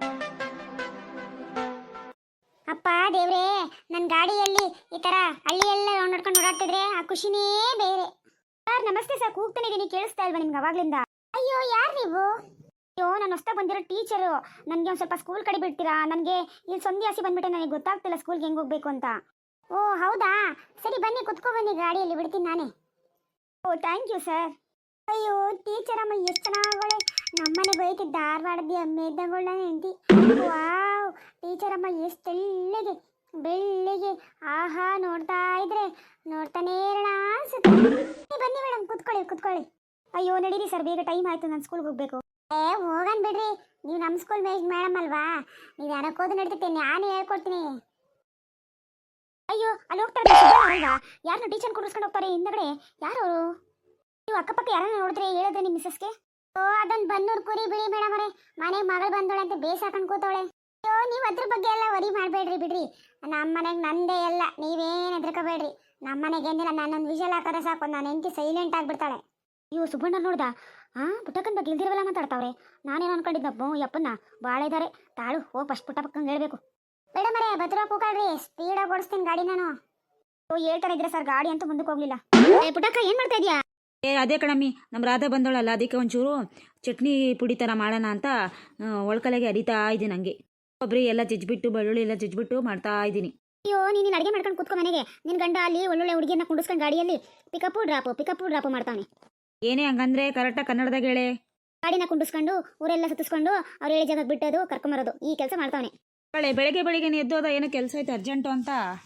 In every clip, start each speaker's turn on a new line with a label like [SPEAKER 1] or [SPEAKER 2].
[SPEAKER 1] ಅಪ್ಪ ದೇವ್ರೇ, ನನ್ನ ಗಾಡಿಯಲ್ಲಿ ಈ ತರ ಹಳ್ಳಿಯೆಲ್ಲ ನೋಡ್ಕೊಂಡು ಓಡಾಡ್ತಿದ್ರೆ ಆ ಖುಷಿನೇ ಬೇರೆ. ಸರ್ ನಮಸ್ತೆ ಸರ್, ಕೂಗ್ತಾನೆ ಇದೀನಿ, ಕೇಳಿಸ್ತಾ ಇಲ್ವಾ ನಿಮ್ಗೆ ಅವಾಗ್ಲಿಂದ? ಅಯ್ಯೋ ಯಾರು ನೀವು? ಅಯ್ಯೋ ನಾನು ಹೊಸ್ತಾ ಬಂದಿರೋ ಟೀಚರು. ನನಗೆ ಒಂದು ಸ್ವಲ್ಪ ಸ್ಕೂಲ್ ಕಡೆ ಬಿಡ್ತೀರಾ? ನನಗೆ ಇಲ್ಲಿ ಸಂಧಿ ಹಸಿ ಬಂದ್ಬಿಟ್ಟೆ, ನನಗೆ ಗೊತ್ತಾಗ್ತಿಲ್ಲ ಸ್ಕೂಲ್ಗೆ ಹೆಂಗೆ ಹೋಗ್ಬೇಕು ಅಂತ. ಓ ಹೌದಾ, ಸರಿ ಬನ್ನಿ ಕುತ್ಕೊ ಬನ್ನಿ, ಗಾಡಿಯಲ್ಲಿ ಬಿಡ್ತೀನಿ ನಾನೇ. Oh thank you sir. ಅಯ್ಯೋ ಟೀಚರ್ ಅಮ್ಮ ಎಷ್ಟು ಚೆನ್ನಾಗಳೆ, ನಮ್ಮನೆ ಬೈತಿ ಧಾರವಾಡದ ಅಮ್ಮೆ ಇದ್ದಂಗಳ ಹೆಂಡತಿ. ವಾವ್, ಟೀಚರ್ ಅಮ್ಮ ಎಷ್ಟು ತೆಳ್ಳಗೆ ಬೆಳ್ಳಿಗೆ, ಆಹಾ ನೋಡ್ತಾ ಇದ್ರೆ ನೋಡ್ತಾನೇ ಇರೋಣ ಅನ್ಸುತ್ತೆ. ಬನ್ನಿ ಮೇಡಮ್ ಕುತ್ಕೊಳ್ಳಿ ಕುತ್ಕೊಳ್ಳಿ. ಅಯ್ಯೋ ನಡೀರಿ ಸರ್, ಬೇಗ ಟೈಮ್ ಆಯ್ತು, ನಾನು ಸ್ಕೂಲ್ಗೆ ಹೋಗ್ಬೇಕು. ಹೋಗನ್ ಬಿಡ್ರಿ, ನೀವು ನಮ್ಮ ಸ್ಕೂಲ್ ಮೇಡಮ್ ಅಲ್ವಾ, ನೀವು ಯಾರಕ್ಕೋದು ನಡೀತೈತೆ, ನಾನು ಹೇಳ್ಕೊಡ್ತೀನಿ. ಅಯ್ಯೋ ಅಲ್ಲಿ ಹೋಗ್ತಾರೆ ಅಲ್ವಾ, ಯಾರನ್ನ ಟೀಚರ್ ಕೂರಿಸ್ಕೊಂಡು ಹೋಗ್ತಾರೆ ಹಿಂದಗಡೆ, ಯಾರು? ನೀವು ಅಕ್ಕಪಕ್ಕ ಯಾರನ್ನ ನೋಡಿದ್ರೆ ಹೇಳಿದ್ರೆ ನಿಮ್ಮ ಮಿಸ್ಸಸ್ಗೆ? ಓ ಅದೊಂದು ಬನ್ನೂರು ಕುರಿ ಬಿಡಿ ಮೇಡಮ್ ಅವರೇ, ಮನೆಗೆ ಮಗಳು ಬಂದೋಳೆ ಅಂತ ಬೇಸಾಕೊಂಡು ಕೂತವಳೆ. ಅಯ್ಯೋ ನೀವು ಅದ್ರ ಬಗ್ಗೆ ಎಲ್ಲ ವರಿ ಮಾಡಬೇಡ್ರಿ ಬಿಡ್ರಿ, ನಮ್ಮ ಮನೆಗೆ ನಂದೇ ಎಲ್ಲ, ನೀವೇನು ಹೆದರ್ಕೋಬೇಡ್ರಿ. ನಮ್ಮ ಮನೆಗೆ ಏನಿಲ್ಲ, ನಾನೊಂದು ವಿಷಲ್ ಹಾಕೋದ್ರೆ ಸಾಕು, ನಾನು ಹೆಂಡತಿ ಸೈಲೆಂಟ್ ಆಗಿಬಿಡ್ತಾಳೆ. ಅಯ್ಯೋ ಸುಬ್ಬಣ್ಣ ನೋಡ್ದ, ಪುಟ್ಟಕ್ಕನ ಬಗ್ಗೆ ಇಲ್ದಿರವಲ್ಲ ಮಾತಾಡ್ತಾವ್ರೆ. ನಾನೇನು ಅನ್ಕೊಂಡಿದ್ದಪ್ಪ ಯಪ್ಪನ್ನ ಭಾಳ ಇದ್ದಾರೆ, ತಾಳು ಹೋಗಿ ಫಸ್ಟ್ ಪುಟ್ಟಕ್ಕಂಗೆ ಹೇಳ್ಬೇಕು. ಮೇಡಮ್ ಅವರೇ ಭದ್ರ ಕೂಗಾಡ್ರಿ, ಸ್ಪೀಡಾಗಿ ಓಡಿಸ್ತೀನಿ ಗಾಡಿ ನಾನು. ಓ ಹೇಳ್ತಾನೆ ಇದ್ರೆ ಸರ್, ಗಾಡಿ ಅಂತೂ ಮುಂದಕ್ಕೆ ಹೋಗ್ಲಿಲ್ಲ. ಪುಟ್ಟಕ್ಕ ಏನು ಮಾಡ್ತಾ ಇದೀಯಾ?
[SPEAKER 2] ಅದೇ ಕಣಮ್ಮಿ, ನಮ್ಮ ರಾಧಾ ಬಂದವಳಲ್ಲ, ಅದಕ್ಕೆ ಒಂಚೂರು ಚಟ್ನಿ ಪುಡಿ ಥರ ಮಾಡೋಣ ಅಂತ ಒಳ್ಕಲೆಗೆ ಅರಿತಾ ಇದ್ದೀನಿ. ಹಂಗೆ ಕೊಬ್ಬರಿ ಎಲ್ಲ ಜಜ್ಜಿಬಿಟ್ಟು ಬೆಳ್ಳುಳ್ಳಿ ಎಲ್ಲ ಜಜ್ಜಿಬಿಟ್ಟು ಮಾಡ್ತಾ ಇದ್ದೀನಿ.
[SPEAKER 1] ಅಯ್ಯೋ ನೀನು ಅಡುಗೆ ಮಾಡ್ಕೊಂಡು ಕೂತ್ಕೊ ಮನೆಗೆ, ನಿನ್ನ ಗಂಡ ಅಲ್ಲಿ ಒಳ್ಳೊಳ್ಳೆ ಹುಡುಗಿಯನ್ನ ಕುಂಡಿಸ್ಕೊಂಡು ಗಾಡಿಯಲ್ಲಿ ಪಿಕಪ್ಪು ಡ್ರಾಪು ಮಾಡ್ತಾನೆ.
[SPEAKER 2] ಏನೇ ಹಂಗಂದ್ರೆ ಕರೆಕ್ಟಾಗಿ ಕನ್ನಡದಾಗ ಹೇಳೆ.
[SPEAKER 1] ಗಾಡಿನ ಕುಂಡಿಸ್ಕೊಂಡು ಊರೆಲ್ಲ ಸುತ್ತಿಸ್ಕೊಂಡು ಅವ್ರು ಹೇಳಿ ಜಾಗಕ್ಕೆ ಬಿಟ್ಟೋದು ಕರ್ಕೊಂಬರೋದು, ಈ ಕೆಲಸ ಮಾಡ್ತಾವನೆ.
[SPEAKER 2] ಬೆಳಗ್ಗೆ ಎದ್ದೋದ ಏನೋ ಕೆಲಸ ಐತೆ ಅರ್ಜೆಂಟು ಅಂತ.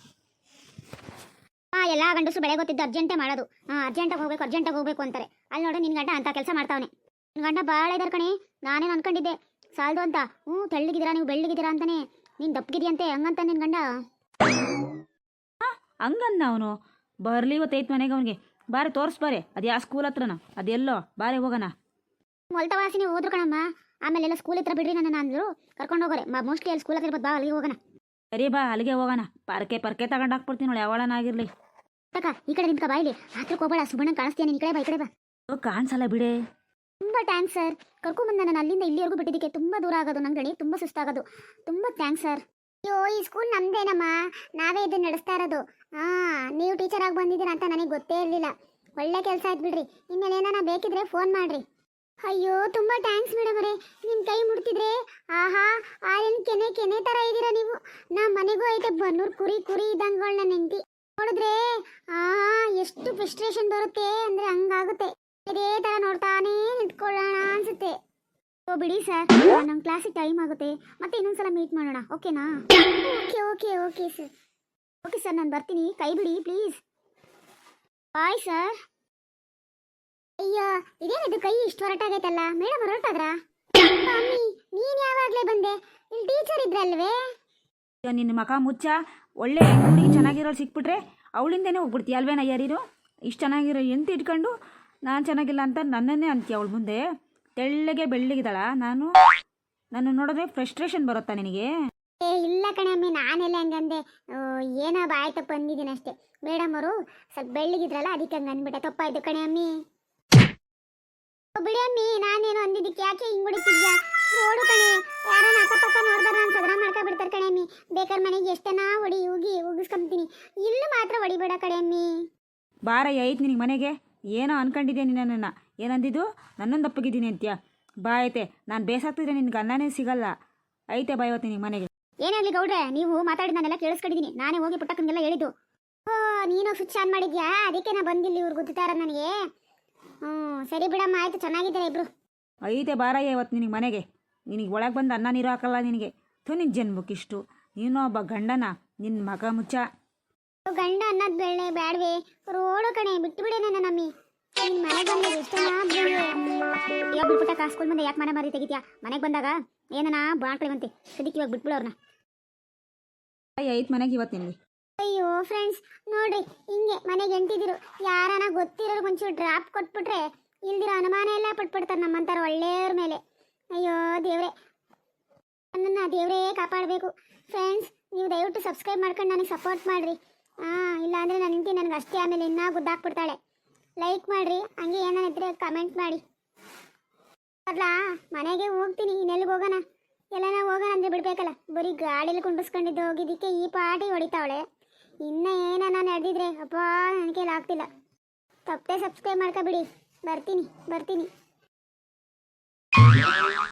[SPEAKER 1] ಎಲ್ಲ ಗಂಡಸರು ಬೆಳೆ ಗೊತ್ತಿದ್ದು ಅರ್ಜೆಂಟೇ ಮಾಡೋದು. ಅರ್ಜೆಂಟಾಗಿ ಹೋಗ್ಬೇಕು ಅಂತಾರೆ. ಅಲ್ಲಿ ನೋಡು ನಿನ್ನ ಗಂಡ ಅಂತ ಕೆಲಸ ಮಾಡ್ತಾವನೆ. ನಿನ್ನ ಗಂಡ ಭಾಳ ಇದಾರೆ ಕಣೆ, ನಾನೇನು ಅನ್ಕೊಂಡಿದ್ದೆ ಸಾಲದು ಅಂತ. ತೆಳ್ಳಗಿದ್ದೀರಾ ನೀವು, ಬೆಳ್ಳಗಿದ್ದೀರಾ ಅಂತಾನೆ, ನೀನು ದಪ್ಪಗಿದೆಯಂತೆ ಹಂಗಂತ ನಿನ್ನ ಗಂಡ.
[SPEAKER 2] ಹಂಗನ್ನ ಅವನು ಬರ್ಲಿ ಇವತ್ತೈತೆ ಮನೆಗೆ, ಅವನಿಗೆ ಬಾರಿ ತೋರಿಸ್ಬಾರೆ, ಅದು ಯಾವ ಸ್ಕೂಲ್ ಹತ್ರನ ಅದೆಲ್ಲೋ, ಬಾರಿ ಹೋಗೋಣ.
[SPEAKER 1] ಮೊಲ್ತ ವಾಸಿನಿ ಹೋದ್ರು ಕಣಮ್ಮ, ಆಮೇಲೆಲ್ಲ ಸ್ಕೂಲ್ ಹತ್ರ ಬಿಡ್ರಿ ನನ್ನ ಅಂದರು, ಕರ್ಕೊಂಡು ಹೋಗೋರೆ. ಮೋಸ್ಟ್ಲಿ ಅಲ್ಲಿ ಸ್ಕೂಲ್ ಹತ್ರ ಇರ್ಬೋದು, ಬಾ ಅಲ್ಲಿಗೆ ಹೋಗೋಣ.
[SPEAKER 2] ಸರಿ ಬಾ ಅಲ್ಲಿಗೆ ಹೋಗೋಣ. ಪರ್ಕೆ ತಗೊಂಡು ಹಾಕ್ಬಿಡ್ತೀನಿ ನೋಡಿ, ಯಾವಳನಾಗಿರ್ಲಿ.
[SPEAKER 1] ತಕ್ಕ ಈ ಕಡೆ ನಿಂತ್ಕ, ಬಾಯಿಲಿ ಹತ್ರಕ್ಕೆ ಹೋಗಬೇಡ, ಸುಬ್ಬಣ್ಣ ಕಾಣಿಸ್ತೀಯ, ಈ ಕಡೆ ಬಾ, ಈ ಕಡೆ ಬಾ.
[SPEAKER 2] ಕಾಣಿಸಲ್ಲ ಬಿಡೆ.
[SPEAKER 1] ತುಂಬ ಥ್ಯಾಂಕ್ಸ್ ಸರ್, ಕರ್ಕೊಂಬಂದು ನಾನು ಅಲ್ಲಿಂದ ಇಲ್ಲಿವರೆಗೂ ಬಿಟ್ಟಿದ್ದಕ್ಕೆ. ತುಂಬ ದೂರ ಆಗೋದು ನಂಗಡಿ, ತುಂಬ ಸುಸ್ತಾಗೋದು. ತುಂಬ ಥ್ಯಾಂಕ್ಸ್ ಸರ್. ಅಯ್ಯೋ ಈ ಸ್ಕೂಲ್ ನಮ್ದೇನಮ್ಮ, ನಾವೇ ಇದನ್ನ ನಡೆಸ್ತಾ ಇರೋದು. ನೀವು ಟೀಚರ್ ಆಗಿ ಬಂದಿದ್ದೀರಾ ಅಂತ ನನಗೆ ಗೊತ್ತೇ ಇರಲಿಲ್ಲ. ಒಳ್ಳೆ ಕೆಲಸ ಆಯ್ತು ಬಿಡ್ರಿ, ಇನ್ಮೇಲೆ ಏನಾನ ಬೇಕಿದ್ರೆ ಫೋನ್ ಮಾಡ್ರಿ. ಅಯ್ಯೋ ತುಂಬ ಥ್ಯಾಂಕ್ಸ್ ಮೇಡಮ್ ಅವರೇ, ನಿಮ್ಮ ಕೈ ಮುಡ್ತಿದ್ರೆ ಆಹಾ ಆರೇನು ಕೆನೆ ಥರ ಇದ್ದೀರಾ ನೀವು. ನಮ್ಮ ಮನೆಗೂ ಐತೆ ಬನ್ನೂರು ಕುರಿ ಇದ್ದಂಗಳು ನನ್ನ ಹೆಂಡತಿ. ನೋಡಿದ್ರೆ ಎಷ್ಟು ಫ್ರಸ್ಟ್ರೇಷನ್ ಬರುತ್ತೆ ಅಂದರೆ ಹಂಗಾಗುತ್ತೆ. ಇದೇ ಥರ ನೋಡ್ತಾನೇ ನಿಂತ್ಕೊಳ್ಳೋಣ ಅನ್ಸುತ್ತೆ. ಓ ಬಿಡಿ ಸರ್, ನಮ್ಮ ಕ್ಲಾಸಿಗೆ ಟೈಮ್ ಆಗುತ್ತೆ, ಮತ್ತೆ ಇನ್ನೊಂದ್ಸಲ ಮೀಟ್ ಮಾಡೋಣ, ಓಕೆನಾ? ಓಕೆ ಸರ್, ನಾನು ಬರ್ತೀನಿ, ಕೈ ಬಿಡಿ ಪ್ಲೀಸ್. Bye sir. ಅಯ್ಯೋ ಇದೇನಿದು ಕೈ ಇಷ್ಟು ಹೊರಟಾಗೈತಲ್ಲ, ಮೇಡಮ್ ಹೊರಟಾದ್ರಾ? ಮಮ್ಮಿ ನೀನು ಯಾವಾಗಲೇ ಬಂದೆ, ಇಲ್ಲಿ ಟೀಚರ್ ಇದ್ರಲ್ವೇ?
[SPEAKER 2] ನಿನ್ನ ಮಕ ಮುಚ್ಚ, ಒಳ್ಳೆ ಹುಡುಗಿ ಚೆನ್ನಾಗಿರೋರು ಸಿಕ್ಬಿಟ್ರೆ ಅವಳಿಂದೇನೆ ಹೋಗ್ಬಿಡ್ತೀಯ ಅಲ್ವೇನ? ಯಾರೀರು ಇಷ್ಟು ಚೆನ್ನಾಗಿರೋ ಎಂತ ಇಟ್ಕೊಂಡು ನಾನು ಚೆನ್ನಾಗಿಲ್ಲ ಅಂತ ನನ್ನನ್ನೇ ಅಂತೀಯ ಅವಳು ಮುಂದೆ. ತೆಳ್ಳಗೆ ಬೆಳ್ಳಗಿದ್ದಾಳ, ನಾನು ನೋಡಿದ್ರೆ ಫ್ರಸ್ಟ್ರೇಷನ್ ಬರುತ್ತಾ ನಿನಗೆ?
[SPEAKER 1] ಇಲ್ಲ ಕಣಮ್ಮಿ, ನಾನೆಲ್ಲ ಹಂಗಂದೆ, ಏನೋ ಬಾಯ್ ತಪ್ಪು ಅಂದಿದ್ದೀನಿ ಅಷ್ಟೇ. ಮೇಡಮ್ ಅವರು ಸ್ವಲ್ಪ ಬೆಳ್ಳಗಿದ್ರಲ್ಲ, ಅದಕ್ಕೆ ಹಂಗೆ ಅಂದ್ಬಿಟ್ಟೆ, ತಪ್ಪಾಯ್ತು ಕಣೆ ಅಮ್ಮಿ. ಬಿಡಿ ಅಮ್ಮಿ, ನಾನೇನು ಅಂದಿದ್ದಕ್ಕೆ ಯಾಕೆ ಹಿಂಗೆ ಹೊಡಿತಿದ್ಯಾ? ನೋಡು ಕಣೆ, ಯಾರೋ ಅಕ್ಕಪಕ್ಕ ನೋಡ್ದಾರ ನಾನು ಸದನ ಮಾಡ್ಕೊಬಿಡ್ತಾರೆ ಕಣೆ ಅಮ್ಮಿ. ಬೇಕಾದ್ರೆ ಮನೆಗೆ ಎಷ್ಟನ ಉಗಿಸ್ಕೊಂತೀನಿ, ಇಲ್ಲೂ ಮಾತ್ರ ಹೊಡಿಬೇಡ ಕಣೆ ಅಮ್ಮಿ.
[SPEAKER 2] ಬಾರ ಐತೆ ನಿನಗೆ ಮನೆಗೆ, ಏನೋ ಅನ್ಕೊಂಡಿದ್ದೆ ನಿನ್ನನ್ನು. ಏನಂದಿದ್ದು ನನ್ನೊಂದು ಅಪ್ಪಗಿದ್ದೀನಿ ಅಂತ್ಯ? ಬಾ ಐತೆ, ನಾನು ಬೇಸಾಗ್ತಿದ್ರೆ ನಿನ್ಗೆ ಅನ್ನನೇ ಸಿಗಲ್ಲ. ಐತೆ ಬಾ ಇವತ್ತು ನಿನಗೆ ಮನೆಗೆ.
[SPEAKER 1] ಏನಾಗಲಿ ಗೌಡ್ರೆ, ನೀವು ಮಾತಾಡಿದ ನಾನೆಲ್ಲ ಕೇಳಿಸ್ಕೊಂಡಿದ್ದೀನಿ, ನಾನೇ ಹೋಗಿ ಪುಟ್ಟಕ್ಕಂಗೆಲ್ಲ ಹೇಳಿದ್ದು. ನೀನು ಸ್ವಿಚ್ ಆನ್ ಮಾಡಿದ್ಯಾ, ಅದಕ್ಕೆ ನಾ ಬಂದಿಲ್ಲ, ಇವ್ರು ಗೊತ್ತಾರ ನನಗೆ. ಸರಿ ಬಿಡಮ್ಮ, ಆಯ್ತು, ಚೆನ್ನಾಗಿದ್ದಾರೆ ಇಬ್ರು.
[SPEAKER 2] ಐತೆ ಬಾರಯ್ಯ ಇವತ್ತು ನಿನಗೆ ಮನೆಗೆ. ನಿನಗೆ ಒಳಗೆ ಬಂದು ಅನ್ನ ನೀರು ಹಾಕಲ್ಲ ನಿನಗೆ. ನಿನ್ನ ಜನ್ಮಕ್ಕಿಷ್ಟು, ನೀನು ಒಬ್ಬ ಗಂಡನ, ನಿನ್ನ ಮಗ ಮುಚ್ಚ.
[SPEAKER 1] ಗಂಡ ಅನ್ನೋದು ಬೆಳ್ಳೆ ಬ್ಯಾಡ್ವೆ, ರೋಡು ಕಣೆ, ಬಿಟ್ಟು ಬಿಡೆ ನನ್ನ ನಮ್ಮಿ. ನಿನ್ನ ಮನೆಗೆ ಬಂದಾಗ ಎಷ್ಟೋ ಬಿಟ್ಬಿಟ್ಟ ಸ್ಕೂಲ್ ಮುಂದೆ ಯಾಕೆ ಮನೆ ಮಾರಿ ತೆಗಿತೀಯಾ? ಮನೆಗೆ ಬಂದಾಗ ಏನನ ಬಾಣ್ಕೊಳ್ವಂತೆ, ಸದಿಕ್ಕೆ ಇವಾಗ ಬಿಟ್ಬಿಡು ಅವ್ರನ್ನ.
[SPEAKER 2] ಐತೆ ಮನೆಗೆ ಇವತ್ತು ನಿನಗೆ.
[SPEAKER 1] ಅಯ್ಯೋ ಫ್ರೆಂಡ್ಸ್ ನೋಡ್ರಿ, ಹಿಂಗೆ ಮನೆಗೆ ಎಂಟಿದಿರು ಯಾರನ ಗೊತ್ತಿರೋರು ಒಂಚೂರು ಡ್ರಾಪ್ ಕೊಟ್ಬಿಟ್ರೆ ಇಲ್ದಿರೋ ಅನುಮಾನ ಎಲ್ಲ ಪಟ್ಬಿಡ್ತಾರೆ ನಮ್ಮಂತಾರ ಒಳ್ಳೆಯವ್ರ ಮೇಲೆ. ಅಯ್ಯೋ ದೇವ್ರೆ, ನನ್ನನ್ನು ದೇವರೇ ಕಾಪಾಡಬೇಕು. ಫ್ರೆಂಡ್ಸ್ ನೀವು ದಯವಿಟ್ಟು ಸಬ್ಸ್ಕ್ರೈಬ್ ಮಾಡ್ಕೊಂಡು ನನಗೆ ಸಪೋರ್ಟ್ ಮಾಡಿರಿ. ಇಲ್ಲಾಂದರೆ ನನ್ನ ಹೆಂಡತಿ ನನಗೆ ಅಷ್ಟೇ ಆಮೇಲೆ ಇನ್ನೂ ಗುದ್ದಾಕ್ಬಿಡ್ತಾಳೆ. ಲೈಕ್ ಮಾಡಿರಿ, ಹಂಗೆ ಏನಾನಿದ್ರೆ ಕಮೆಂಟ್ ಮಾಡಿ. ಅಲ್ಲ ಮನೆಗೆ ಹೋಗ್ತೀನಿ, ಇನ್ನೆಲ್ಲಿಗೆ ಹೋಗೋಣ? ಎಲ್ಲ ನಾವು ಹೋಗೋಣ ಅಂದ್ರೆ ಬಿಡ್ಬೇಕಲ್ಲ, ಬರೀ ಗಾಡಿಯಲ್ಲಿ ಕುಂಡಿಸ್ಕೊಂಡಿದ್ದು ಹೋಗಿದ್ದಕ್ಕೆ ಈ ಪಾಟಿ ಹೊಡಿತಾವಳೆ. ಇನ್ನ ಏನಾನ ನಡೆದಿದ್ರೆ ಅಪ್ಪ ನನ್ನ ಕೈಲಿ ಆಗ್ತಿಲ್ಲ. ತಪ್ಪದೆ ಸಬ್ಸ್ಕ್ರೈಬ್ ಮಾಡ್ಕೊಬಿಡಿ. ಬರ್ತೀನಿ.